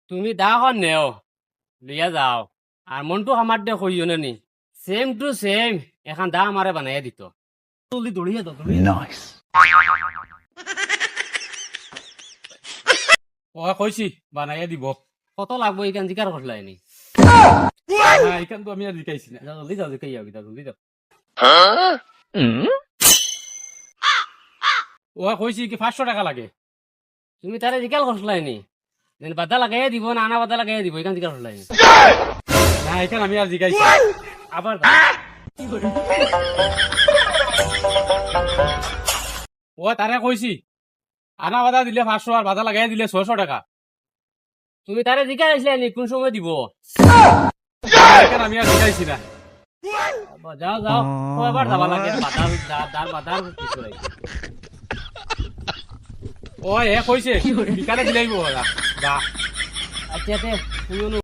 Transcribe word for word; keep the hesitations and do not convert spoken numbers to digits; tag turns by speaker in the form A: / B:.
A: তুমি দাখন নেও লিয়া যাও আর মনটু আমার দে কইও নি সেম টু সেম এখন দা আমারে বানাইয়া দিত জলদি দৌড়িয়ে দাও তুমি
B: Nice.
C: ও কইছি বানাইয়া দিব
A: কত লাগবো এখান জিকার করলাই নি
C: না এখান তো আমি আর জিকাইছি না
A: যাও, জলদি যাও জিকাই যাও গিতা জলদি যাও
C: ও কইছি কি পাঁচশো টাকা লাগে
A: তুমি তারে জিকাল করলাই নি যেন বাদা লাগাইয়া দিব না আনা বাদা লাগাইয়া দিব এখান জিকার করলাই নি
C: না এখান আমি আর জিকাইছি
A: আবার
C: ও তারে কইছি আনা বাধা দিলে পাঁচশো আর বাধা লাগাই দিলে ছয়শো টাকা
A: তুমি তারে জিকার আসলাই নি কোন সময় দিব
C: এখান আমি আর জিকাইছি না
A: আবার যাও যাও ও আবার যাবা লাগে বাদার দার বাদার কিছু লাগে
C: ও এ কইছে বিকালে দিলাইব ওরা যা
A: আচ্ছা তে তুমি